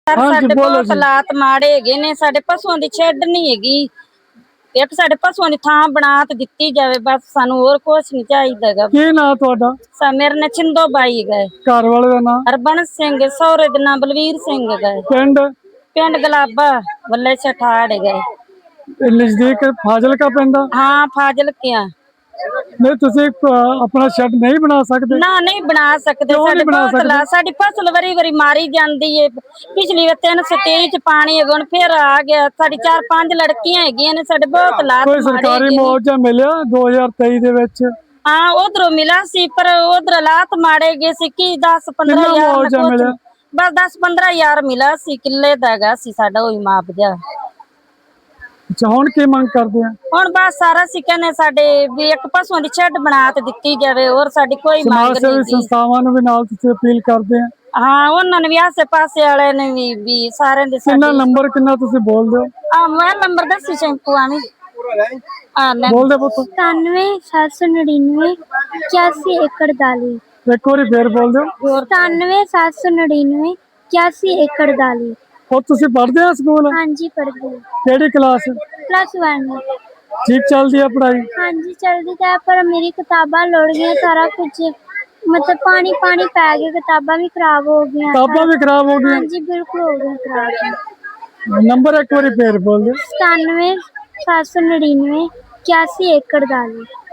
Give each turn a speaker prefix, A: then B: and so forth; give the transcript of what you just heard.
A: ਸਾਡੇ ਬਹੁਤ ਹਾਲਾਤ ਮਾੜੇ ਹੈਗੇ ਨੇ। ਸਾਡੇ ਪਸ਼ੂਆਂ ਦੀ ਛੱਡ ਨਹੀਂ ਹੈਗੀ। ਇੱਕ ਸਾਡੇ ਪਸ਼ੂਆਂ ਦੀ ਥਾਂ ਬਣਾ ਤੇ ਦਿੱਤੀ ਜਾਵੇ, ਬਸ ਸਾਨੂੰ ਹੋਰ ਕੁਝ ਨਹੀਂ ਚਾਹੀਦਾ ਹੈਗਾ।
B: ਕੀ ਨਾਂ ਤੁਹਾਡਾ?
A: ਮੇਰੇ ਨਾਲ ਚਿੰਦੋ ਬਾਈ ਹੈਗਾ।
B: ਘਰ ਵਾਲੇ ਦਾ ਨਾਂ?
A: ਹਰਬੰਸ ਸਿੰਘ। ਸਹੁਰੇ ਦਾ ਨਾਂ ਬਲਵੀਰ ਸਿੰਘ ਹੈਗਾ। ਪਿੰਡ ਗਲਾਬਾ ਵੱਲੇ ਛਠਾੜ ਹੈਗਾ।
B: ਨਜ਼ਦੀਕ ਫਾਜ਼ਿਲਕਾ ਪੈਂਦਾ?
A: ਹਾਂ, ਫਾਜ਼ਿਲਕਾ।
B: ਨਹੀਂ, ਤੁਸੀਂ ਆਪਣਾ ਸ਼ੈੱਡ ਨਹੀਂ ਬਣਾ ਸਕਦੇ?
A: ਨਾ, ਨਹੀਂ ਬਣਾ ਸਕਦੇ। ਸਾਡੇ ਬਹੁਤ ਸਾਡੀ ਫਸਲ ਵਾਰੀ ਮਾਰੀ ਜਾਂਦੀ ਏ। ਪਿਛਲੀ ਵਾਰ 323 ਚ ਪਾਣੀ ਹੈਗਾ, ਹੁਣ ਫਿਰ ਆ ਗਿਆ। ਸਾਡੀ 4-5 ਲੜਕੀਆਂ ਹੈਗੀਆਂ ਨੇ। ਸਾਡੇ ਬਹੁਤ ਹਾਲਾਤ
B: ਕੋਈ ਸਰਕਾਰੀ ਮੁਆਵਜ਼ਾ ਮਿਲਿਆ 2023 ਦੇ ਵਿੱਚ?
A: ਹਾਂ, ਉਧਰੋਂ ਮਿਲਾ ਸੀ, ਪਰ ਉਧਰ ਹਾਲਾਤ ਮਾੜੇ ਗਏ ਸੀ। ਕੀ 10-15 ਹਜ਼ਾਰ, ਬਸ 10-15 ਹਜ਼ਾਰ ਮਿਲਾ ਸੀ। ਕਿੱਲੇ ਦਾ ਹੈਗਾ ਸੀ ਸਾਡਾ, ਉਹੀ ਮੁਆਵਜ਼ਾ।
B: ਅੱਛਾ, ਹੁਣ ਕੀ ਮੰਗ ਕਰਦੇ ਆ?
A: ਹੁਣ ਬਸ ਸਾਰਾ ਅਸੀਂ ਕਹਿੰਦੇ ਸਾਡੇ ਵੀ ਇੱਕ ਪਸ਼ੂਆਂ ਦੀ ਸ਼ੈੱਡ ਬਣਾ ਤੇ ਦਿੱਤੀ ਜਾਵੇ, ਹੋਰ ਸਾਡੀ ਕੋਈ ਮੰਗ ਨਹੀਂ।
B: ਸਮਾਜ ਸੇਵੀ ਸੰਸਥਾਵਾਂ ਨੂੰ ਵੀ ਨਾਲ ਤੁਸੀਂ ਅਪੀਲ ਕਰਦੇ ਆ?
A: ਹਾਂ, ਉਹਨਾਂ ਨੇ ਵੀ ਆਸੇ ਪਾਸੇ ਵਾਲਿਆਂ ਨੇ ਵੀ ਸਾਰਿਆਂ ਦੇ।
B: ਕਿੰਨਾ ਨੰਬਰ ਕਿੰਨਾ ਤੁਸੀਂ ਬੋਲਦੇ ਹੋ?
A: ਮੋਬਾਈਲ ਨੰਬਰ ਦੱਸੀ ਸ਼ੈਂਪੂ ਆਵੀਂ
B: ਬੋਲਦੇ ਪੁੱਤ।
C: 97 799 81 41।
B: ਇੱਕ ਵਾਰੀ ਫੇਰ ਬੋਲ ਦਿਓ।
C: 97 799 81 41।
B: ਉਹ ਤੁਸੀਂ ਪੜ੍ਹਦੇ ਆ ਸਕੂਲ?
C: ਹਾਂਜੀ, ਪੜ੍ਹਦੇ।
B: ਕਿਹੜੀ ਕਲਾਸ?
C: +1।
B: ਠੀਕ ਚੱਲਦੀ ਹੈ ਪੜ੍ਹਾਈ?
C: ਹਾਂਜੀ, ਚੱਲਦੀ ਤਾਂ, ਪਰ ਮੇਰੀ ਕਿਤਾਬਾਂ ਲੁੜ ਗਈਆਂ, ਸਾਰਾ ਕੁਝ मतलब पानी पै गया, किताबां भी खराब हो गई।
B: किताबां भी खराब हो गई?
C: हाँ जी, बिल्कुल हो गई खराब।
B: नंबर एक बार फिर बोल दो।
C: 97 799 81 41।